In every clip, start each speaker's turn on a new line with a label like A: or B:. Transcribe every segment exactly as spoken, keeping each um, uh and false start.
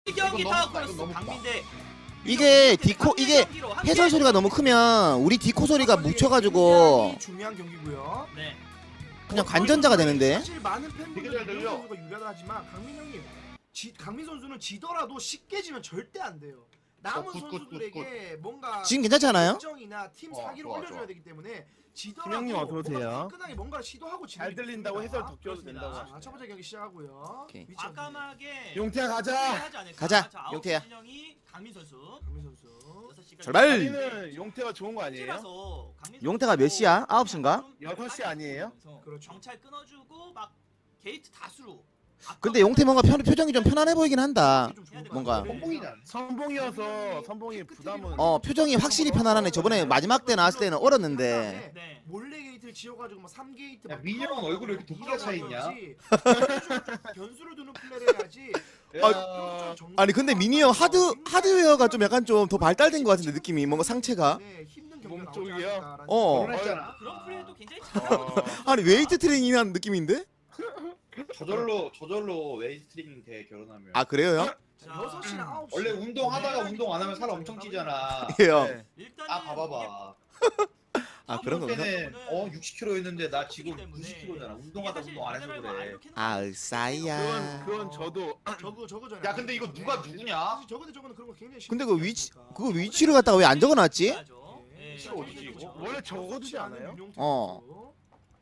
A: 경기 다
B: 너무
A: 걸렸어
B: 너무
A: 강민대.
C: 이게 디코 이게 해설 소리가 너무 크면 우리 디코 소리가 묻혀가지고
D: 중요한 경기고요.
A: 네.
C: 그냥 관전자가 되는데.
D: 사실 많은 팬분들이
B: 되게 잘 들려.
D: 강민 선수가 유리하다지만 강민 형님, 지, 강민 선수는 지더라도 쉽게 지면 절대 안 돼요. 남은
B: 어, 굿, 굿,
D: 선수들에게 뭔가
C: 지금 괜찮지 않아요?
D: 정이나 팀
B: 어,
D: 사기를
B: 좋아,
D: 올려줘야
B: 좋아.
D: 되기 때문에 지더라도
E: 김영님 어서 오세요.
D: 뭔가 화끈하게 뭔가를 시도하고
E: 잘 들린다고 해설 더 껴도 된다고
D: 자, 첫 번째 경기 시작하고요.
C: 오케이.
D: 위치 어디?
A: 과감하게
E: 용태야 가자.
A: 하지 않을까?
C: 가자,
A: 자, 아홉
C: 용태야.
A: 진영이 강민 선수.
D: 강민 선수.
A: 여섯 시까지
C: 출발!
E: 자리는 용태가 좋은 거 아니에요?
A: 찌라서 강민
C: 용태가 몇
A: 선수
C: 시야? 아홉 시인가?
A: 좀
E: 여섯 시 아니에요?
D: 그렇죠.
A: 경찰 끊어주고 막 게이트 다수로.
C: 근데 용태 뭔가 편, 표정이 좀 편안해 보이긴 한다.
D: 좀 좋을 것
C: 뭔가.
D: 같아요.
B: 선봉이잖아.
E: 선봉이어서 선봉이 부담은
C: 어 표정이 확실히 편안하네. 저번에 마지막 때 나왔을 때는 얼었는데.
A: 네.
D: 몰래 게이트를 지어가지고 막 삼 게이트
B: 야,
D: 막
B: 민희 형은 얼굴에 이렇게 도끼가 차 있냐?
D: 변수를 두는 플레이를 해야지.
E: 야,
C: 아니 근데 미니 형 하드 하드웨어가 좀 약간 좀 더 발달된 것 같은데 느낌이 뭔가 상체가.
D: 네, 힘든 경기가
E: 몸
D: 나오지
E: 쪽이요?
D: 않을까라는
C: 어.
B: 결혼했잖아.
A: 그런 플레이도 굉장히
E: 어,
C: 아니 웨이트 트레이닝한 느낌인데?
B: 저절로 저절로 웨이스트링 대 결혼하면.
C: 아 그래요 형?
D: 자, 여섯 시나 아홉 시.
B: 원래 운동하다가 운동 안 하면 살 엄청 찌잖아.
C: 예요.
E: 네.
A: 일단은
B: 아 봐봐봐.
C: 아 그런 건가?
B: 때는 어 육십 킬로였는데 나 지금
A: 때문에
B: 구십 킬로잖아. 운동하다 운동 안 해서 그래.
C: 아
E: 그건
C: 으싸이야.
E: 그건 저도
D: 저거 저거잖아요.
B: 야 근데 이거 누가 누구냐?
D: 사실 저거 대 저거는 그런 거 굉장히
C: 근데
D: 쉽지
C: 그 위치
D: 않으니까.
C: 그거 위치를 갖다가 왜 안 적어놨지?
D: 네.
B: 위치가 어디지, 이거?
E: 원래 적어두지 않아요?
C: 어.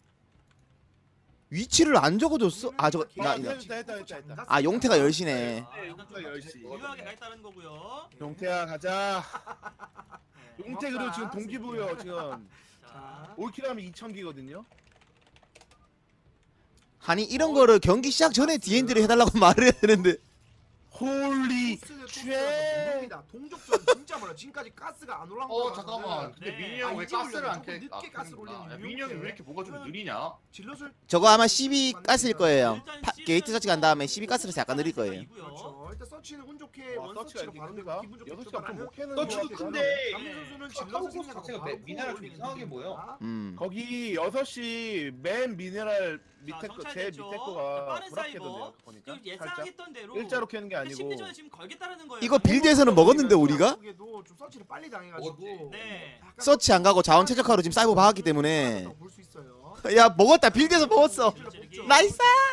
C: 위치를 안 적어줬어? 아 저거
E: 아,
C: 나,
E: 했다,
C: 나.
E: 했다, 했다, 했다, 했다.
C: 아 용태가 열 시네.
E: 네,
A: 약간 좀
E: 용태가 열 시.
A: 유효하게 가 있다는 거고요.
E: 용태야 가자.
A: 네.
E: 용태 그리고 지금 동기부여 지금
A: 자,
E: 올킬하면 이천 기거든요.
C: 아니 이런 거를 경기 시작 전에 디엔디를 해달라고 말을 해야 되는데.
E: 홀리
D: 쉐. 동족전 진짜 몰라. 지금까지 가스가 안 올라온
B: 어
D: 거
B: 잠깐만. 근데
A: 네.
B: 민희 형 왜
D: 아, 이제
B: 가스를
D: 올려요.
B: 안 캐?
D: 조금 늦게 가스를 올리는
B: 야, 민희 형이 왜 이렇게 뭐가 좀 느리냐?
D: 질럿을
C: 저거 아마 십이 가스일 거예요.
A: 일단
C: 파,
A: 시즌은
C: 게이트 서치 간 다음에 십이 가스를 약간 느릴 거예요.
A: 이고요.
D: 그렇죠. 일단 서치는 운 좋게
E: 와
D: 원
E: 서치가
D: 서치로
E: 이렇게
D: 바로
E: 큰데가
D: 기분 좋게
E: 여섯 시간
D: 출발하는
E: 못 캐는
B: 서치도
E: 것
B: 큰데.
E: 같아요.
D: 강민 선수는
B: 아,
D: 질럿을
B: 카우보스
D: 생각하고
B: 자체가
D: 바로
B: 미나라 좀
D: 올리는
B: 이상하게
D: 분위기입니다.
B: 보여.
C: 음.
E: 거기 여섯 시 맨 미네랄 밑에
A: 자,
E: 거 제
A: 정찰됐죠.
E: 밑에 거가
A: 빠른
E: 불합격인데요. 보니까
A: 지금
E: 살짝
A: 예상했던 대로
E: 일자로 캐는 게 아니고
A: 심리전에 지금 걸겠다는 거예요.
C: 이거 빌드에서는 먹었는데 우리가?
D: 좀 서치를 빨리 당해가지고
A: 네.
D: 약간
C: 서치 안 가고 자원 최적화로 지금 사이버 박았기 때문에.
D: 볼 수 있어요.
C: 야 먹었다. 빌드에서 먹었어. 나이스!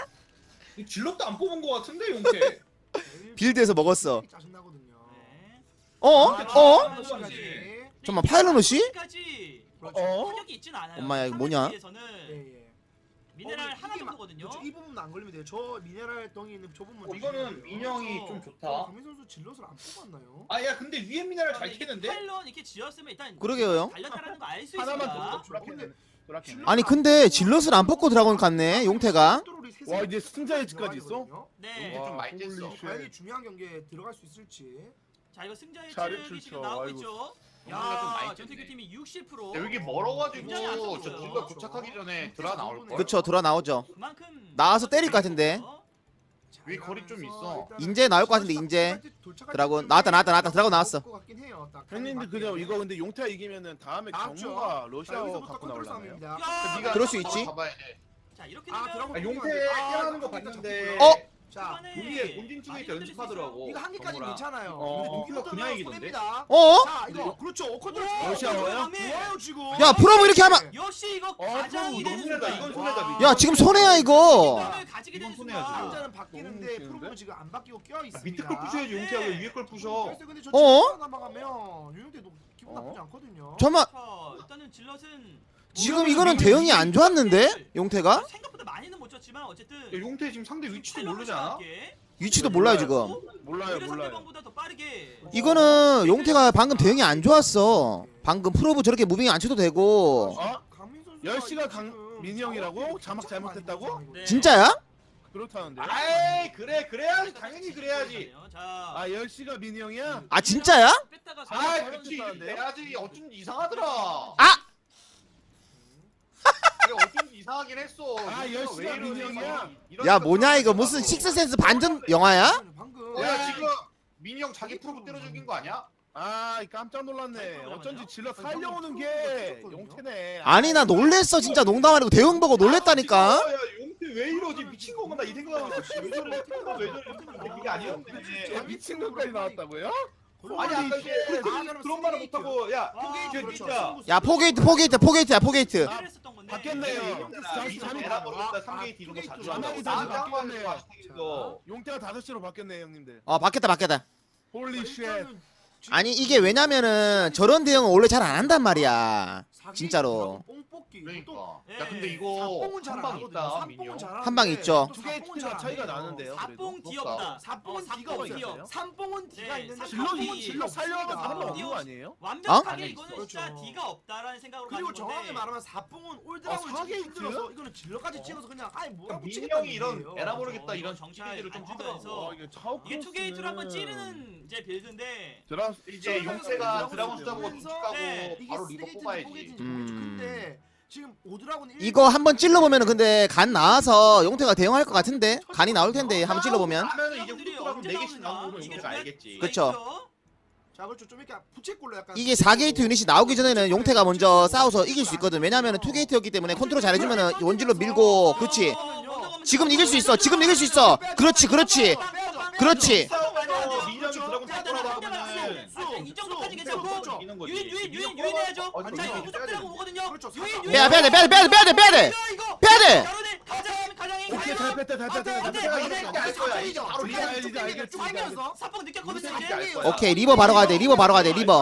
B: 질럿도 안 뽑은 거 같은데 용태.
C: 빌드에서 먹었어.
D: 짜증나거든요.
A: 네.
C: 어? 어?
D: 네.
C: 잠깐만 파일럿이?
A: 까지
E: 어?
A: 타격이 있진 않아요.
C: 엄마야, 이거 뭐냐?
A: 에서는
D: 예, 예.
A: 미네랄
D: 어,
A: 하나
D: 이게 막-
A: 정도거든요.
D: 그렇죠. 이 부분은 안 걸리면 돼요. 저 미네랄 덩이 있는 저 부분.
B: 어, 이거는 민영이 좀
D: 어,
B: 좋다.
D: 강민 선수 질럿을 안 뽑았나요?
B: 아 야 근데 위에 미나를 잘 캐는데?
A: 파일럿 이렇게 지었으면 일단
C: 그러게요, 형.
A: 달렸다라는 거 알 수
E: 하나만
A: 있습니다.
E: 더 불합격이네. 불합격이네.
C: 아니 근데 질럿을 안 뽑고 드라곤 갔네 용태가.
E: 와 이제 승자의 집까지 있어?
A: 네.
B: 좀 많이
E: 홀리
B: 뗐어.
E: 쉣.
D: 과연 이 중요한 경기에 들어갈 수 있을지.
A: 자 이거 승자의
E: 자리
A: 체력이 지금
E: 출처.
A: 나오고
E: 아이고.
A: 있죠.
B: 뭔가 좀 많이
A: 야
B: 뗐네.
A: 전태규 팀이 육십 퍼센트.
B: 야, 여기 멀어가지고
A: 굉장히 안
B: 저
A: 좋고요.
B: 질럿 도착하기 전에 드라 나올 거야.
C: 그쵸 돌아 나오죠.
A: 그만큼
C: 나와서 때릴 것 같은데.
D: 자,
B: 위에 거리 좀
D: 이러면서
B: 있어.
D: 일단은
C: 인제 나올 것 같은데, 인제.
D: 도착할
C: 드라곤.
D: 때쯤에
C: 나왔다, 나왔다, 나왔다. 드라곤 나왔어.
D: 것 같긴 해요. 딱
E: 형님들 그냥 이거 근데 용태가 이기면은 다음에
D: 나왔죠.
E: 경무가
D: 자,
E: 러시아어
D: 여기서부터
E: 갖고
D: 컨트롤
E: 나올라네요.
D: 싸움입니다.
A: 야,
B: 네가
C: 그럴 수 있지.
B: 봐봐야 돼.
A: 자 이렇게
D: 아,
A: 되면
D: 드라곤
B: 아, 용태
D: 아,
B: 깨하는 거
D: 딱
B: 봤는데.
C: 어?
D: 자,
B: 우리의 본진 쪽에서 연습하더라고.
D: 이거 한 개까지
B: 정우랑.
D: 괜찮아요.
E: 어.
D: 근데
B: 동기가
D: 동기가
B: 그냥
D: 그냥
B: 이기던데?
D: 이기던데.
C: 어?
D: 자, 이거 그렇죠. 컨트롤.
E: 러시아어요?
D: 좋아요 지금.
C: 야 프로브 이렇게 하면.
A: 역시 이거
E: 어,
A: 가장이
B: 이건
A: 되는
B: 손해다,
A: 순간.
B: 이건 손해다,
D: 와.
B: 민영.
C: 야 지금 손해야 이거.
A: 이걸 가지게 되는
B: 이건 손해야,
A: 순간.
B: 지금.
D: 남자는 바뀌는데
E: 너무
D: 프로브
E: 쉬운데?
D: 지금 안 바뀌고 껴 있습니다.
B: 밑에 걸 부셔야지 용태야 왜 위에 걸 부셔?
D: 그래서 근데 저
C: 어?
D: 지금 넘어가면 유영태도 기분 나쁘지 않거든요.
C: 잠깐만
A: 자, 일단은 질럿은
C: 지금 이거는 대응이 안 좋았는데 용태가?
A: 생각보다 많이는 못 쳤지만 어쨌든
B: 야, 용태 지금 상대 위치도 모르지 않아?
C: 위치도 몰라요 지금.
E: 몰라요 몰라요.
A: 상대방보다 더 빠르게.
C: 이거는 용태가 방금 대응이 안 좋았어. 방금 프로브 저렇게 무빙이 안 쳐도 되고.
E: 어?
D: 강민 선수가
E: 열 시가
D: 지금
E: 강- 민희 형이라고? 자막 잘못했다고?
A: 네.
C: 진짜야?
E: 그렇다는데.
B: 아이 그래 그래야지 당연히 그래야지.
A: 자,
E: 아 열 시가 민희 형이야?
C: 아 진짜야?
A: 뺐다가
B: 아
E: 아,
B: 그치
E: 잘못했다는데요?
B: 그래야지 어쩐지 이상하더라.
C: 아!
B: 그래 어쩐지 이상하긴 했어.
E: 아,
B: 왜
E: 열시가
B: 이러니?
E: 민영이야?
B: 이러니까
C: 야 뭐냐 이거
B: 또
C: 무슨
B: 나도.
C: 식스센스 반전 영화야?
D: 방금
B: 야 지금 민이 형 자기 프로브 때려 죽인 거 아니야?
E: 아 깜짝 놀랐네. 어쩐지 질러 살려오는 게 용태네.
C: 아니 나 놀랬어 진짜 농담 아니고 대응 보고 놀랬다니까.
B: 야 용태 왜 이러지 미친 건가 나 이 생각하고 있어. 왜 저래? 왜 저래? 그게 아니었는데.
E: 아, 미친 것까지 나왔다고요?
B: 아니 아까 이게 그런 말을 못하고 야
A: 아,
B: 포게이트
D: 그렇죠.
B: 진짜
C: 야 포게이트 포게이트 포게이트야 포게이트.
A: 했었던 건데.
E: 바뀌었네요.
B: 잠시 잠시 에라 모르겠다 삼 게이트 이런 거 자주 한다고
E: 아,
B: 나한테 한
E: 바뀌었네요.
B: 번에 이거
E: 용태가 다섯 시로 바뀌었네 형님들.
C: 어 바뀌었다 바뀌었다.
E: 홀리 쉣.
C: 아니 이게 왜냐면은 저런 대응은 원래 잘 안 한단 말이야. 진짜로.
D: 뽕뽑기.
B: 그러니까
A: 예.
B: 야 근데 이거
D: 삽봉은 잘
B: 한
D: 안
B: 방
D: 하거든요.
B: 있다
D: 삽봉은
B: 민영
D: 잘
C: 한 방 있죠.
E: 두 개의 티가 차이가 나는데요.
A: 사뽕
E: 그래도.
A: 뒤없다.
D: 삽봉은
A: 어,
D: D가
A: 삽봉
D: 없어요.
A: 뒤엎.
D: 삼뽕은 D가
A: 네,
D: 있는데
A: 질럿이
D: 삽봉은
A: 질럿
D: D가
E: 살려면
D: 없습니다.
E: 다른 거 없는 거 아니에요?
A: 완벽하게
B: 어?
A: 이거는
D: 그렇죠.
A: 진짜 D가 없다라는 생각으로
D: 그리고
A: 가는 건데.
D: 정확히 말하면 사뽕은 올드라고
E: 아, 사게이트?
D: 힘들어서 이거는 질러까지 찍어서 그냥 아예 뭐라고
B: 민영이 이런
D: 얘기예요.
B: 에라 모르겠다 이런
A: 어,
B: 정치 비디를 좀
A: 안
B: 하더라고.
A: 주면서
E: 이게 차오
A: 이게 투게이트로 한번 찌르는 이제 빌드인데
E: 드라
B: 이제 용세가 드라곤 숫자 보고 눈치까고
A: 네.
D: 이게
B: 바로 리버
D: 쓰레기인지
B: 뽑아야지.
D: 포개진지
C: 음.
D: 모르겠죠. 근데 지금 오드라곤
C: 이거 한번 찔러보면은 근데 간 나와서 용태가 대응할 것 같은데 간이 나올 텐데 한번 찔러보면.
B: 하면은 이제 후드라곤 네 개씩 나오고
A: 이게
B: 용세가 알겠지.
C: 그쵸.
D: 자 그렇죠. 좀 이렇게 부채꼴로 약간
C: 이게 사 게이트 유닛이 나오기 전에는 용태가 먼저 싸워서 이길 수 있거든. 왜냐면은 투 게이트였기 때문에 컨트롤 잘해주면은 원질로 밀고 그렇지. 지금 이길 수 있어. 지금 이길 수 있어. 그렇지 그렇지 그렇지.
B: 싸움에서 민영이 드라곤 잡더라도 하면은
A: 이 정도까지 괜찮고
B: 이기는 거지.
A: 유인 유인 유인 유인해야죠.
B: 어,
A: 자
B: 이거
A: 이거
B: 빼야
A: 무적들하고
B: 돼.
A: 오거든요.
D: 그렇죠.
A: 유인 유인.
C: 빼야 빼야 돼 빼야 돼 빼야 돼 빼야 돼 빼야 돼
A: 이거
C: 빼야 돼.
A: 가로대 가장 가장이
E: 오케이 잘 뺐다 잘 뺐다 잘
A: 안 돼,
E: 뺐다.
A: 안 돼,
B: 이렇게 알 거야. 이제 바로
E: 이제 알지, 이제 알겠지, 이제 알겠지.
A: 사법 느꼈거든요
B: 이제
A: 이제.
B: 알 거야.
C: 오케이 리버 바로 가야 돼 리버 바로 가야 돼 리버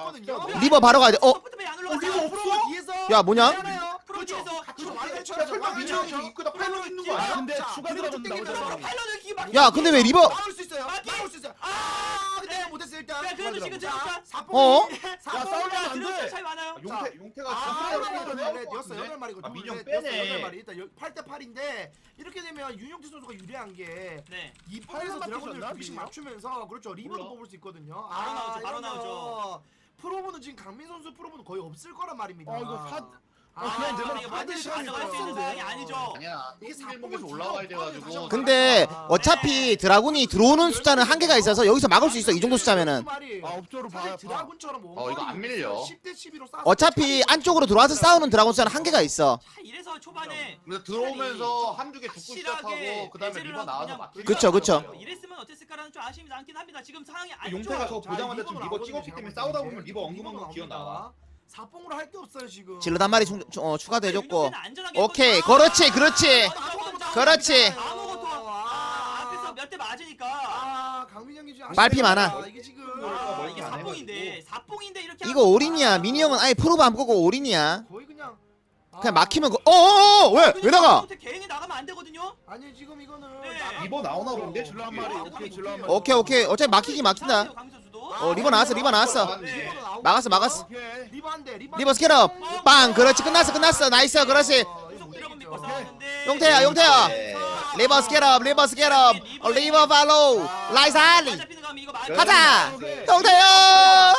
C: 리버 바로 가야 돼. 어?
A: 서포트맨이 안 올라갔어.
D: 리버 없어? 뒤에서
C: 야 뭐냐?
A: 프로 뒤에서
D: 같이 말을
B: 야
D: 쳐야죠.
B: 설마 민영이 입구다 팔로 있는 거
E: 아
B: 아니야?
E: 근데 추가 드라곤 나오잖아.
A: 팔로는 기 막.
C: 야 근데 왜 리버?
D: 막을 수 있어요. 막을 수 있어요. 아 근데 못했어 일단.
A: 야, 그래도 지금
D: 자,
A: 들어갔다.
D: 사뽕이-
C: 어?
D: 사뽕이-
E: 야, 싸우면 안 돼.
A: 드롭 차이 많아요.
B: 용태 용태가
D: 아,
B: 진짜
D: 네, 네, 네,
B: 것
D: 여섯
B: 같은데?
D: 여덟 마리고
B: 아, 민영
D: 둘,
B: 빼네.
D: 넷, 여섯, 여덟 마리. 일단 팔 대 팔인데 이렇게 되면 윤용태 선수가 유리한 게
A: 네.
D: 이 판에서
E: 팔만
D: 드래곤들
E: 맞췄나,
D: 두 개씩
E: 민영?
D: 맞추면서 그렇죠 리버도
B: 몰라.
D: 뽑을 수 있거든요.
A: 바로 나오죠, 바로
D: 이러면
A: 나오죠.
D: 프로보는 지금 강민 선수 프로보는 거의 없을 거란 말입니다.
E: 어, 이거 사-
D: 아,
E: 그냥 내 말
A: 이거
E: 다
A: 반드시
E: 들으셔야
A: 가져갈 수 있는
E: 돼요.
A: 상황이 아니죠.
B: 아니야.
D: 이게
B: 이게 일목에서 올라와야 돼가지고.
C: 근데 어차피 드라군이 들어오는 숫자는 한계가 있어서 여기서 막을 수 있어 이 정도 숫자면은.
E: 아 업조로 봐.
D: 사실 드라군처럼
B: 어, 이거 안 밀려.
D: 십 대 십으로
C: 어차피 안쪽으로 들어와서 싸우는 드라군 숫자는 한계가 있어.
A: 자, 이래서 초반에
B: 그래서 들어오면서 한두 개 죽고
A: 확실하게
B: 시작하고 그다음에
A: 배제를
B: 리버
A: 하고
B: 나와서
A: 그냥
B: 막.
C: 그쵸, 그쵸.
A: 이랬으면 어땠을까라는 좀 아쉬움이 남긴 합니다. 지금 상황이 안
B: 용태가
A: 좋아요.
B: 저 보자마자 좀 리버 찍었기 때문에 싸우다 보면 리버 엉금엉금 기어 나와.
D: 사뽕으로 할 게 없어요 지금.
C: 질러 한 마리 충, 어, 추가도 해줬고.
A: 윤용태는 안전하게
C: 오케이
A: 했거든요.
C: 그렇지 그렇지 그렇지.
A: 아무것도 아, 앞에서 몇 대 맞으니까
D: 아 강민영이 지금
C: 말피 많아.
D: 아, 이게 지금
A: 아,
B: 아,
A: 이게
B: 안
A: 사뽕인데 사뽕인데 이렇게
C: 이거
A: 하면-
C: 올인이야. 미니 형은 아예 프로브 안 보고 올인이야.
D: 거의 그냥
C: 그냥 막히면 그 어어어 왜? 왜 나가?
A: 윤용태 개인이 나가면 안 되거든요.
D: 아니 지금 이거는
A: 네.
D: 나가-
B: 리버 나오나 본데?
E: 질러 한 마리. 오케이 질러 한 마리.
C: 오케이 오케이 어차피 막히긴 막힌다.
A: 강민 선수도.
C: 어 리버 나왔어 리버 나왔어.
A: 네.
C: 막았어, 막았어.
E: 오케이.
D: 리버 한 대, 리버
C: 리버 스캐럽 빵 그렇지 끝났어 끝났어 나이스 그렇지.
A: 계속 드래곤 믿고 싸웠는데
C: 용태야 용태야.
B: 네.
C: 리버 스캐럽 리버 스캐럽 어, 리버 팔로우 라이스 할리
A: 잡히는 거 하면 이거 말-
C: 가자.
E: 오케이.
C: 용태야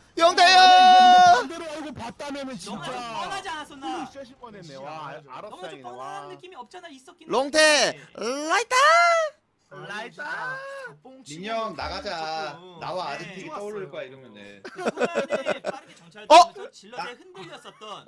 C: 용태야.
E: 반대로 알고 봤다면은
A: 너무 좀
E: 진짜.
A: 뻔하지 않았었나?
E: 쉐실 뻔했네. 와 알- 알았어
A: 너무 좀
E: 다행이네.
A: 뻔한
E: 와.
A: 느낌이 없잖아 있었긴.
C: 롱태
A: 한데.
C: 라이트.
E: 라이다.
B: 민영 나가자. 나와
A: 네.
B: 아지트기 떠오를 거야 이러면은.
A: 그 초반에 빠르게 정찰
C: 어?
A: 되면서 질럿에 흔들렸었던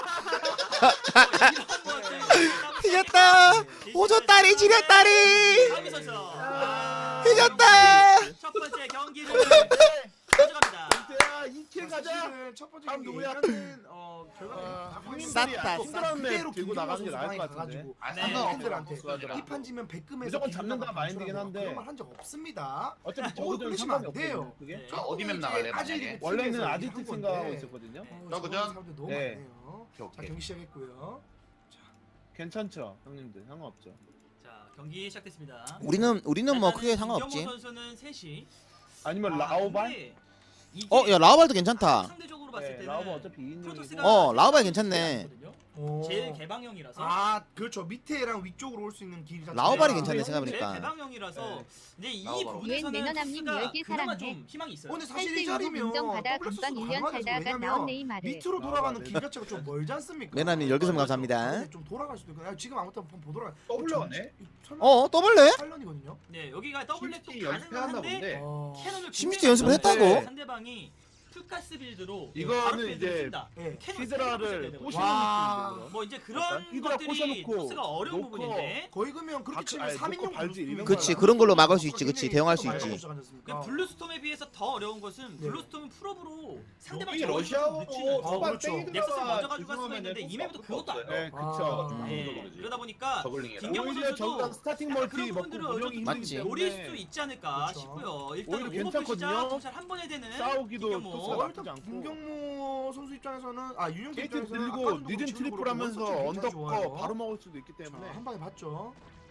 C: 이겼다. 오졌다리 지렸다리.
A: 강민 선수.
E: 아.
C: 이겼다.
A: 첫 번째 경기를 가져갑니다.
E: 용태야 이킬 가자.
D: 사실은 첫 번째
E: 다음
D: 경기
E: 누구야?
D: 이겼는 어 결과는
E: 아,
D: 다
E: 형님들이
C: 쌌다.
E: 힘들었네.
D: 그대로
E: 들고 나가는 게 나을 것 같은데.
D: 가가지고
B: 아,
A: 네.
B: 상관없어.
D: 팬들한테
B: 수고하더라.
D: 이 판 지면 백금에서
E: 무조건 잡는다 마인드긴 한데.
D: 그런 말 한 적 없습니다.
E: 어차피
D: 어,
E: 저거는
D: 그러시면
E: 상관이
D: 안 돼요.
E: 없거든요. 그게.
A: 네.
B: 아, 어디 맵 나갈래 만약에?
E: 원래는 아지트 생각하고 있었거든요.
B: 저거죠?
D: 너무
E: 네.
D: 많네요.
B: 오케이,
D: 자
B: 오케이.
D: 경기 시작했고요.
E: 괜찮죠, 형님들 상관없죠.
A: 자 경기 시작됐습니다.
C: 우리는 우리는 뭐
A: 일단은
C: 크게 상관없지.
A: 김경호 선수는 셋이.
E: 아니면
A: 아,
E: 라오발?
A: 근데 이게
C: 어 야 라우발도 괜찮다.
A: 상대적으로 봤을
E: 네,
A: 때는
E: 라오발 어차피 이 인용이고.
A: 프로토스가
C: 어, 라오발 괜찮네.
A: 제일 개방형이라서.
D: 아 그렇죠 밑에랑 위쪽으로 올 수 있는 길이 자체가-
C: 라오발이 괜찮네,
A: 제일
C: 생각해보니까.
A: 개방형이라서
E: 네.
A: 이제 이
B: 라오발.
A: 부분에서는
F: 유엔 매너남님
A: 토스가
F: 열 개
A: 그나마
F: 사랑해.
A: 좀 희망이 있어요.
D: 근데 사실 이
F: 팔 대
D: 자리면
F: 인정 받아
D: 더블
F: 금방
D: 액세스도
F: 일 년
D: 가능하죠.
F: 살다가
D: 왜냐면
F: 나온 네이마르.
D: 밑으로
E: 아,
D: 돌아가는
E: 네.
D: 길 자체가 좀 멀지 않습니까?
C: 매나님 열 개 선물 감사합니다.
D: 근데 좀 돌아갈 수도 있고 아, 지금 아무튼 한번 보더라.
B: 떠올려네.
C: 어 더블래?
D: 팔 년이거든요.
A: 네 여기가 더블랙도
B: 심시티 연습해왔나
A: 가능한데
B: 본데.
D: 어...
A: 캐논을
C: 심시티
A: 굉장히
C: 연습을
A: 많은데
C: 했다고?
A: 상대방이 풀가스 빌드로
E: 이거는
A: 바로 빌드를
E: 이제
A: 쓴다.
D: 예.
A: 캐논
E: 히드라를
A: 세게 부셔야
E: 꼬시는
D: 와.
E: 느낌이죠.
A: 뭐 이제 그런
E: 약간 히드라
A: 것들이
E: 꼬셔놓고
A: 토스가 어려운
E: 놓고
A: 부분인데
D: 거의 그러면 그렇게
E: 아,
D: 치면
E: 아니,
D: 삼 인용
E: 놓고 발질 이런
C: 그치,
E: 거야.
C: 그런 걸로 막을 수 있지. 그치, 대응할 수 있지.
A: 그 블루스톰에 비해서 더 어려운 것은
D: 네.
A: 블루스톰은 풀업으로 상대방
B: 이게
A: 저울링을
B: 러시아어
A: 늦추는
D: 아,
B: 초반
D: 그렇죠.
B: 땡기다가
A: 넥서스를 먼저 가져갈 수가
B: 죄송하면은
A: 있는데 이 맵에도 그것도 안
E: 네, 그쵸.
D: 아.
A: 예, 그러다 보니까
B: 저글링이라.
A: 김경호
E: 오히려
A: 선수도
E: 저기가 스타팅
A: 약간
E: 멀티
A: 그런
E: 먹고
A: 부분들을
E: 운영이
A: 좀
C: 맞지.
E: 힘들기
A: 노릴
E: 때문에
A: 수 있지 않을까
D: 그렇죠.
A: 싶고요. 일단
E: 오히려
A: 오버 시작
E: 괜찮거든요.
A: 정찰 한 번에 되는
E: 싸우기도
A: 김경호.
E: 토스가
D: 어,
E: 나쁘지
D: 일단
E: 않고.
D: 김경모 선수 입장에서는 아 유영태
E: 게이트
D: 입장에서는
E: 들고
D: 아까 전도
E: 늦은
D: 그렇고
E: 트리플
D: 지금도
E: 하면서
D: 원서치 굉장히
E: 언덕
D: 좋아요.
E: 거 바로 먹을 수도 있기
D: 자,
E: 때문에
D: 한 방에 봤죠.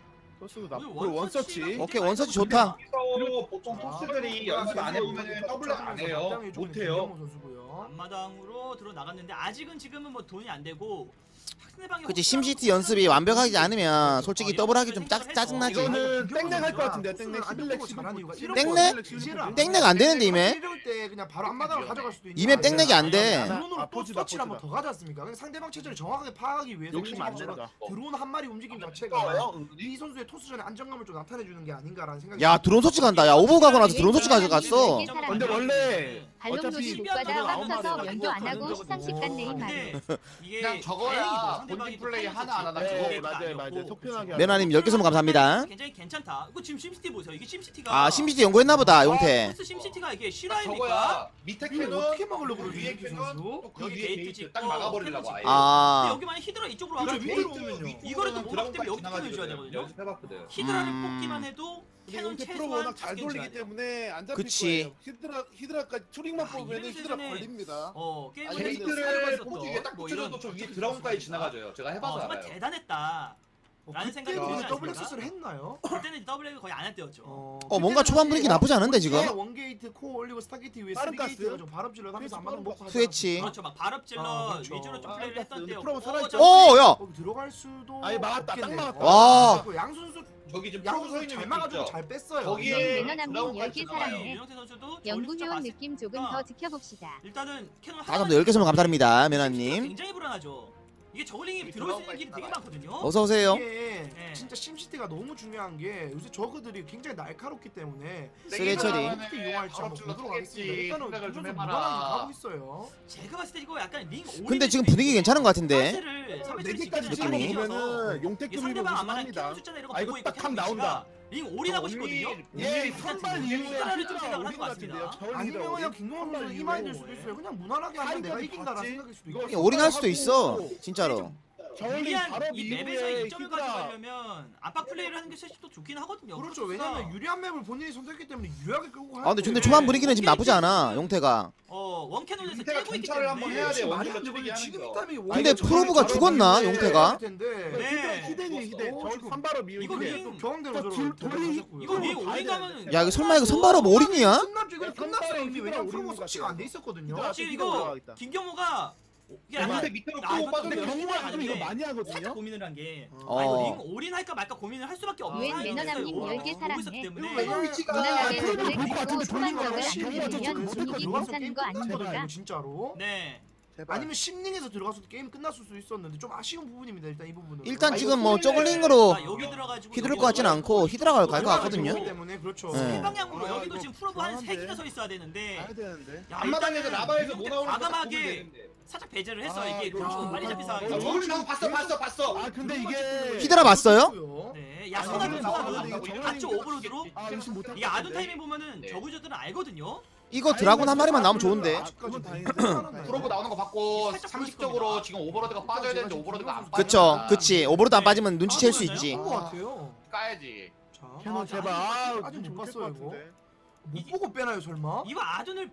E: 토스도
A: 오늘
E: 나쁘고 그리고 원서치
A: 원서치가
C: 오케이, 원서치 좋다.
B: 그래서 보통 토스들이 연습 안 해보면 더블랙 안 해요. 못해요.
D: 김경모 선수고요.
A: 앞마당으로 들어 나갔는데 아직은 지금은 뭐 돈이 안 되고 상대방이
C: 그치,
A: 혹시라도
C: 심시티 연습이 완벽하지 않으면 솔직히
A: 어,
C: 더블하기
A: 이런
C: 좀 짜,
A: 생각을
C: 짜증나지.
A: 해서
E: 이거는
D: 김경호
E: 땡땡 할것
D: 선수가
E: 같은데,
D: 토스를
E: 땡땡
D: 안
E: 십일렉
D: 잡고 잘하는 이유가
E: 십일
D: 이런
C: 땡땡?
D: 거 이제는 안
C: 땡땡 안 되는데 이메?
D: 이럴 때 그냥 바로 앞마당을 가져갈 수도 있는
C: 이맵 땡땡이 안 돼.
D: 드론으로
E: 아,
D: 또
E: 포지다,
D: 서치를 한번
E: 포지다.
D: 더 가지 않습니까? 그냥 상대방 체제를 정확하게 파악하기 위해서
E: 욕심 안
D: 김경호
E: 낸다.
D: 선수가 드론 한 마리 움직임 자체가 이 선수의 토스전에 안정감을 좀 나타내주는 게 아닌가라는 생각이
C: 야, 드론 소치 간다. 야, 오버 가고 나서 드론 소치 가져갔어.
E: 근데 원래
F: 발롱도시
E: 어차피
F: 못 가다
E: 아홉
F: 빡쳐서
E: 마리가
F: 면도 안
A: 가는
F: 하고
A: 거거든요.
F: 십삼십 간 네임 말이.
A: 근데 이게
B: 그냥 저거야.
A: 다행히도
B: 본진
A: 상대방이
B: 플레이
A: 또
B: 하나 안 하나
A: 타이밍
E: 네,
A: 좋고
E: 맞아요,
A: 아니었고.
E: 맞아요. 속편하게
C: 메나님 열 개 선물 감사합니다.
A: 굉장히 괜찮다. 이거 지금 심시티 보세요. 이게 심시티가
C: 아, 심시티 연구했나 보다, 용태.
A: 토스 심시티가 이게 실화입니까?
B: 저거야. 밑에
D: 이걸
B: 캐논
D: 어떻게 막으려고 그러지,
B: 위에
D: 이렇게
B: 캐논
D: 선수?
B: 또그
A: 여기
B: 위에
A: 게이트
B: 게이트
A: 짓고
B: 딱 막아버리려고 아예.
A: 근데
C: 아,
A: 여기 만약 히드라 이쪽으로
D: 그렇죠,
A: 와가지고
D: 위로
B: 게이트는
D: 오면요.
A: 이거를 또
B: 이거는
A: 못 막기 때문에 여기
B: 드라곤까지
A: 캐논을 줘야
B: 지나가지거든요.
A: 되거든요.
B: 연습해봤거든.
A: 히드라를
C: 음.
A: 뽑기만 해도
E: 근데
A: 캐논
E: 용태 프로가
A: 최소한
E: 워낙 잘
A: 다섯 개는 줘야
E: 돌리기
A: 돼요.
E: 때문에 안 잡힐
C: 그치.
E: 거예요. 히드라 히드라까지 투링만
A: 아,
E: 뽑으면
A: 이런
E: 히드라
A: 시즌에
E: 걸립니다.
A: 어 게임을
B: 아니,
A: 해도
B: 게이트를
A: 살아있었던
B: 포지 위에 딱
A: 뭐 이런
B: 붙여줘도 저 위에 드라곤까지 지나가줘요. 제가
A: 어,
B: 해봐서
A: 정말
B: 알아요.
A: 대단했다. 라는 생각이
D: 그때는
A: 들지
D: 더블
A: 않습니까?
D: 액세스를 했나요?
A: 그때는 더블랙을 거의 안 할 때였죠.
D: 어,
C: 어, 뭔가
D: 그때는
C: 초반 분위기 나쁘지 않은데, 지금?
D: 원게이트, 원게이트 코어 올리고 스타게이트 위에
E: 빠른
D: 쓰리게이트
E: 가스?
D: 해가지고 발업질러 하면서 안마당 먹고 하지
C: 스웨치.
A: 그렇죠. 막 발업질러
D: 아, 그렇죠.
A: 위주로 좀
E: 아,
A: 플레이를 했던
E: 근데
A: 때였고.
E: 프로가 살아있죠.
C: 오, 야!
D: 거기 들어갈 수도
E: 아니, 막았다, 딱
D: 없겠네요.
E: 막았다.
C: 와.
D: 그리고 양 선수
B: 저기 지금
D: 양
B: 프로 서
D: 선수
B: 있는
D: 잘
B: 위치
D: 막아주고
B: 있죠?
D: 잘 뺐어요.
B: 거기에
F: 매너남님
B: 드라곤까지
F: 열 개
B: 지나가요.
F: 사랑해.
A: 유영태 선수도
F: 연구회원 느낌 조금 더 지켜봅시다.
A: 일단은 캐논
C: 다감사열 개 선물 감사합니다, 메나님.
A: 굉장히 불안하죠. 이게 저글링이
B: 이
A: 들어올 수 있는
B: 드라곤까지
A: 길이 되게
B: 나가요.
A: 많거든요.
C: 어서오세요.
D: 이게
A: 네.
D: 진짜 심시티가 너무 중요한 게 요새 저그들이 굉장히 날카롭기 때문에
C: 쓰레 처리.
D: 어떻게 이용할지 한번
B: 발업질러
D: 보도록 하겠습니다.
B: 타겠지.
D: 일단은
B: 생각을 좀
D: 김선수
B: 해봐라.
D: 무난하게 가고 있어요.
A: 제가 봤을 때 이거 약간 링 오리
C: 근데 지금 분위기 괜찮은 것 같은데.
E: 네 개까지
C: 느낌이.
E: 찍어보면은 용태
A: 상대방
E: 급이로
A: 아마
E: 합니다.
A: 캐논 숫자나 이런 거
E: 아, 이거
A: 보고 있고
E: 딱
A: 캐논
E: 감 나온다.
A: 위치가 링 올인 하고 싶거든요.
E: 예, 선발 이후에
A: 히드라를 좀
E: 히드라
A: 생각을 하는
E: 올린
A: 것
E: 것 같은데요.
A: 같습니다.
E: 저울
D: 아니면
E: 히드라
D: 그냥
E: 올린?
D: 김동원 선수
E: 선발
D: 이 마인드일
E: 이후에.
D: 수도 있어요. 그냥 무난하게 하면 내가
E: 사이드까지
D: 이긴다라는
E: 봤지?
D: 생각일 수도
E: 이거
D: 있고.
C: 이게 올인할 수도 있어, 진짜로.
E: 저울링
A: 유리한
E: 발업
A: 이 맵에서
E: 이후에
A: 이 점을
E: 히드라
A: 가져가려면 압박 플레이를 하는 게 사실 또 좋긴 하거든요.
D: 그렇죠.
A: 토스가.
D: 왜냐면 유리한 맵을 본인이 선택했기 때문에 유리하게 끌고 가야
C: 아, 근데 근데
D: 돼.
C: 초반 분위기는 지금 나쁘지 않아, 용태가.
A: 어 원캐논에서
B: 용태가
A: 째고 있기
B: 정찰을 한번
A: 때문에
B: 해야 돼.
D: 지금
B: 원딜러
D: 말이 안
B: 트릭이
D: 되거든요.
B: 하는
D: 지금
B: 거.
D: 이 타이밍에
C: 근데
D: 원딜러
C: 프로브가
D: 저기
C: 죽었나,
D: 저기
C: 용태가?
D: 텐데.
A: 네.
E: 히덴이 히덴
B: 죽었어.
E: 저울 선발업 이후에
A: 이거
E: 히덴.
A: 링-
D: 또 경험대로
E: 저
D: 저를
E: 둘- 돌이-
D: 데려가셨고요.
A: 이거 링
E: 봐야
A: 올인 가면
E: 되는데.
C: 야, 이거 설마 이거 선발업 올인이야?
D: 끝났죠. 이거 끝났어요. 이미
E: 히드라
D: 왜냐면
E: 올리는
D: 프로모
E: 것
D: 서치가 안
E: 같아요.
D: 돼 있었거든요.
E: 히드라
A: 지금
E: 히드라
A: 이거
E: 올라가겠다.
A: 김경호가 이게 약간
B: 근데 밑으로
A: 아,
B: 끌고
A: 이거
B: 빠져도
A: 근데
E: 근데
A: 경우가
E: 경우가 좀 이거
A: 아닌데
E: 많이
A: 살짝
E: 하거든요.
A: 고민을 한 게
C: 어.
A: 아, 이거 링 올인 할까 말까 고민을 할 수밖에 없는
F: 유엔
A: 상황이었어요.
F: 매너남님
A: 이거.
F: 열 개
A: 보고
F: 사랑해.
A: 있었기
D: 이거
A: 때문에
D: 왜냐면 위치가
F: 무난하게
D: 프로모
F: 노래
D: 볼것 같은데
F: 듣고
D: 돌린 거야.
F: 초반적을 안
D: 심리가
F: 들리면
D: 좀
F: 분위기
D: 들어가서
F: 괜찮은
D: 게임
F: 거 아닙니까?
D: 끝났거든요, 진짜로.
A: 네.
E: 제발.
D: 아니면 심링에서 들어갔어도 게임 끝났을 수 있었는데 좀 아쉬운 부분입니다. 일단 이 부분은.
C: 일단
B: 아,
C: 지금
B: 이거
C: 뭐
B: 소리를-
C: 저글링으로
A: 아, 여기 들어가지고
C: 휘두를
A: 여기
C: 것 같진 않고 히드라가 갈 것 같거든요.
D: 그렇기 때문에 그렇죠.
C: 네.
A: 세 방향으로
E: 아,
A: 여기도
E: 이거
A: 지금 프로브 한 세
E: 불안한데.
A: 개가 서 있어야 되는데
E: 가야 되는데.
A: 야,
B: 앞마당에서
A: 일단은
B: 라바에서 뭐
A: 이렇게
B: 나오는 거
A: 과감하게
B: 되는데.
A: 살짝 배제를 했어요.
E: 아,
A: 이게
E: 이거
A: 좀
E: 좀-
A: 빨리 잡힌
B: 어,
A: 상황이죠.
B: 저울링 나온 거 봤어 봤어 봤어.
E: 아 근데 이게
C: 히드라 봤어요?
A: 네,
B: 아,
A: 야소가
B: 이거
A: 들어가
B: 나오는데
A: 는
B: 이거
A: 봤죠
B: 저울링
A: 오버로드로.
E: 아 의심 못할
A: 이게 아둔 타이밍 보면은
B: 네.
A: 저구저들은 알거든요.
C: 이거 드라곤 한 마리만 나오면 좋은데.
E: 그건 다행인데.
B: 프로브 나오는 거 봤고
A: 살짝
B: 상식적으로
A: 보일
B: 지금 오버로드가 빠져야 되는데 오버로드가 안
C: 그쵸,
B: 빠지니까
C: 그치. 오버로드 안 빠지면 눈치챌 수 있지.
D: 것 같아요.
B: 까야지.
D: 자,
E: 캐논
A: 아,
E: 제발.
D: 아직
E: 아,
D: 못
E: 좀
D: 봤어요,
E: 못할 것
D: 이거.
E: 같은데.
D: 못 보고 빼나요 설마?
A: 이거 아둔을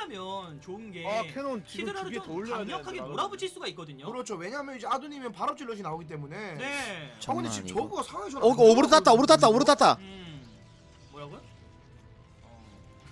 A: 봤다면 좋은 게
E: 아 캐논 지금
A: 히드라를
E: 두개더
A: 좀
E: 올려야
A: 강력하게
E: 되는데,
A: 몰아붙일 수가 있거든요.
D: 그렇죠. 왜냐면 이제 아두님은 발업질럿이 나오기 때문에.
A: 네.
D: 아 근데
C: 장난
D: 지금
C: 아니고.
D: 저거가 상황이
C: 어, 이거 오버로드 탔다, 오버로드 탔다, 오버로드 탔다.
A: 음. 뭐라고요? 어.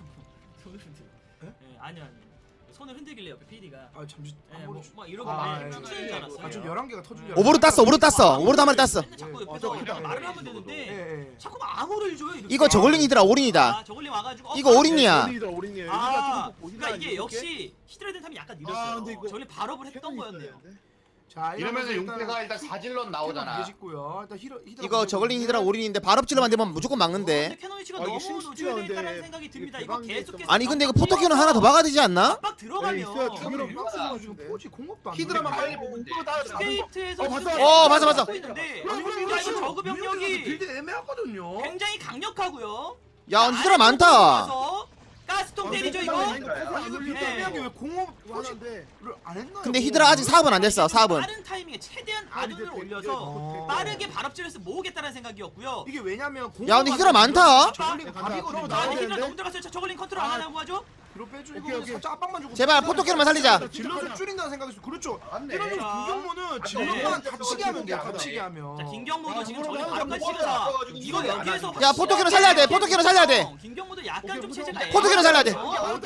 A: 손을 흔들.
D: 예?
A: 네, 아니요 아니요. 손을 흔들길래 옆에 피디가.
D: 아 잠시
A: 네,
D: 한
A: 뭐,
D: 번.
A: 막 이러고
D: 아,
A: 네,
D: 예.
A: 춤추는 줄 알았어요.
D: 아좀 열한 개가 터진 줄
C: 오버로드 땄어, 오버로드 땄어. 오버로드 한 마리 땄어.
A: 맨날 자꾸
D: 예.
A: 옆에서
D: 어, 저거
A: 이렇게
D: 기다려.
A: 말을 하면
D: 예,
A: 되는데
D: 예.
A: 자꾸 암호를 줘요. 이렇게.
C: 이거 저글링이더라, 올인이다.
A: 아, 저글링 와가지고. 어,
C: 이거
A: 바로
C: 올인이야.
E: 올인이다 올인이에요.
A: 아,
E: 히드라 좀
A: 그러니까 이게
E: 이렇게.
A: 역시 히드라 된 탐이 약간
E: 아,
A: 느렸어요.
E: 근데 이거
A: 저글링 발업을 했던
E: 캐논이
A: 거였네요.
E: 있어야 되는데.
D: 자
B: 이러면은
D: 일단
B: 용태가 일단 사질럿 나오잖아.
D: 짓고요. 일단 히러 히드라
C: 이거 저글링 히드라 올인인데 발업질러만 되면 무조건
A: 어,
C: 막는데.
A: 근데 캐논 위치가
E: 아, 이게
A: 너무
E: 심시티가
A: 노출돼 있다는
E: 근데
A: 생각이 듭니다.
E: 이게
A: 이거
E: 대박이
A: 계속해서
C: 아니 근데 이거 포토키는 하나 더 박아야 되지 않나?
A: 압박 들어가면
E: 있어야
B: 저글링
D: 유학수가 지금 포지 공업도 안
B: 히드라만
D: 돼.
B: 빨리 보면 돼.
A: 스테이트에서
E: 어,
A: 지금
E: 봤어.
C: 어, 봤어, 봤어.
A: 하고 있는데
D: 아니,
A: 야,
D: 이거
A: 이거 저그 병력이
D: 빌드 애매하거든요.
A: 굉장히 강력하고요.
C: 야 히드라 많다.
A: 가스통 때리죠 이거.
D: 아니 이거 빌드
A: 네.
D: 애매한 게왜 공업 포지를
E: 하는데
D: 안 했나요?
C: 근데 히드라 아직 사업은 안 됐어. 사업은.
A: 빠른 타이밍에 최대한 아둔을
E: 근데
A: 올려서
D: 어.
A: 빠르게 발업질에서 모으겠다는 생각이었고요.
D: 이게 왜냐면
C: 야, 근데 히드라 많다.
D: 저글링
E: 간다.
D: 밥이거든요.
A: 아,
E: 아,
A: 근데
E: 네,
A: 히드라
E: 네.
A: 너무 들어갔어요. 저 저글링 컨트롤 안 하냐고 하죠?
D: 뒤로 빼주고
E: 오케이, 오케이.
D: 살짝 압박만 주고
C: 제발 포토키로만 살리자.
D: 질럿을 줄인다는 생각이 있어. 그렇죠.
B: 맞네.
D: 이런
A: 자.
D: 김경모는
A: 네.
D: 질럿만 다치게 하면 돼요.
B: 네.
D: 다치게 하면.
A: 자, 김경모도 지금
E: 아,
A: 저기
E: 뭐라고
A: 바로까지
B: 하는
A: 찍어서
B: 거야?
A: 이거
B: 이거
A: 여기에서
B: 안
C: 야 포토키로 살려야 돼. 포토키로 살려야 돼.
A: 김경모도 약간
E: 오케이,
A: 좀
E: 무서워.
A: 체제가
C: 포토키로 살려야 돼.
A: 어?